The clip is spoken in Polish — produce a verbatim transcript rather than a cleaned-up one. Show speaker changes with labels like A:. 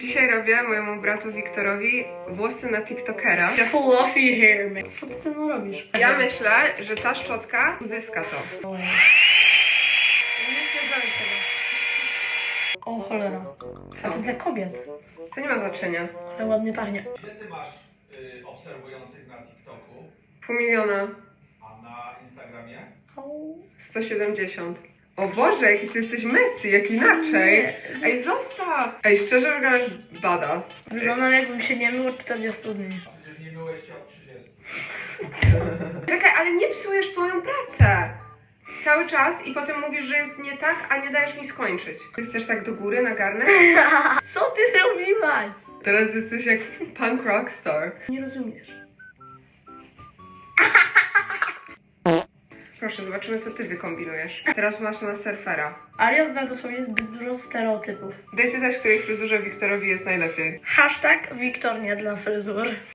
A: Dzisiaj robię mojemu bratu Wiktorowi włosy na TikTokera.
B: Fluffy hair, man. Co ty ze mną robisz?
A: Ja myślę, że ta szczotka uzyska to.
B: O, nie zrobić tego. O cholera. A to dla kobiet.
A: To nie ma znaczenia.
B: Ale ładnie pachnie.
C: Ile ty masz y, obserwujących na TikToku,
A: Pół miliona.
C: a na Instagramie?
A: sto siedemdziesiąt. O Boże, jaki ty jesteś Messi, jak inaczej. Ej, zostaw. Ej, szczerze wyglądasz badass.
B: Wyglądam jakbym się nie mył od czterdziestu dni.
C: Przecież nie myłeś się od trzydziestu.
A: Czekaj, ale nie psujesz moją pracę. Cały czas i potem mówisz, że jest nie tak, a nie dajesz mi skończyć. Ty chcesz tak do góry na garnek?
B: Co ty zrobiłaś?
A: Teraz jesteś jak punk rockstar.
B: Nie rozumiesz.
A: Proszę, zobaczymy, co ty wykombinujesz. Teraz masz na surfera.
B: Aria zna dosłownie zbyt dużo stereotypów.
A: Dajcie znać, w której fryzurze Wiktorowi jest najlepiej.
B: Hashtag Wiktor nie dla fryzur.